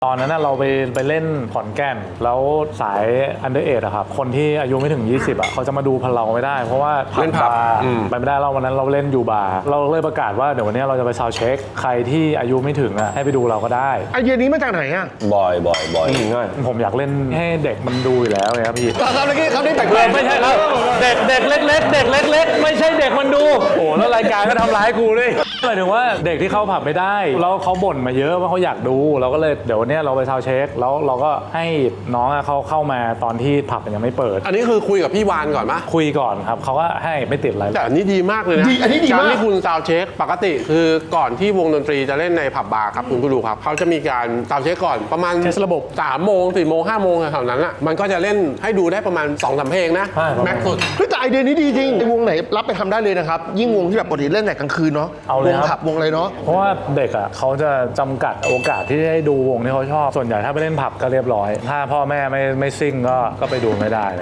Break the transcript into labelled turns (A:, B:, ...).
A: ตอนนั้นเราไปเล่นขอนแก่นแล้วสายอันเดอร์เออะครับคนที่อายุไม่ถึง 20เขาจะมาดูเราไม่ได้เพราะว่าผับบาร์ไปไม่ได้เราวันนั้นเราเล่นอยู่บาร์เราเลยประกาศว่าเดี๋ยววันนี้เราจะไปซาวด์เช็คใครที่อายุไม่ถึงให้ไปดูเราก็ได้
B: ไอเดียนี้มาจากไหนอ่ะ
C: บ่อย
A: ผมอยากเล่นให้เด็กมันดูอยู่แล้วไงครับพี่
B: ครับเมื่อกี้เขาได้แปลก
A: ไม่ใช่ครับเด็กเล็กไม่ใช่เด็กมันดูโอ้แล้วรายการก็ทำร้ายกูด้วยหมายถึงว่าเด็กที่เข้าผับไม่ได้แล้วเขาบ่นมาเยอะว่าเขาอยากดูเราก็เลยเดี๋ยววันนี้เราไปซาวด์เช็คแล้วเราก็ให้น้องเขาเข้ามาตอนที่ผับมันยังไม่เปิด
D: อันนี้คือคุยกับพี่วานก่อนปะ
A: คุยก่อนครับเขาก็ให้ไม่ติดอะไร
D: แต่อันนี้ดีมากเลยนะ
B: อันนี้ดีมาก
D: การที่คุณซาวด์เช็คปกติคือก่อนที่วงดนตรีจะเล่นในผับบาร์ครับคุณผู้ดูครับเขาจะมีการซาวด์เช็คก่อนประมาณระบบ3 โมง 4 โมง 5 โมงแถวนั้นอ่ะมันก็จะเล่นให้ดูได้ประมาณ 2-3 เพลงนะแม็กซ์สุด
B: แต่ไอเดียนี้ดีจริงวงไหนรับไปทำได้เลยนะครับยิ่งวงที่แบบปกติเล่นแต่กลางคืนเนาะวงผับวงอะไรเนาะ
A: เพราะว่าเด็กเขาจะจำกัดโอกาสที่ได้ดูวงที่เขาชอบส่วนใหญ่ถ้าไปเล่นผับก็เรียบร้อยถ้าพ่อแม่ไม่ซิ่งก็ไปดูไม่ได้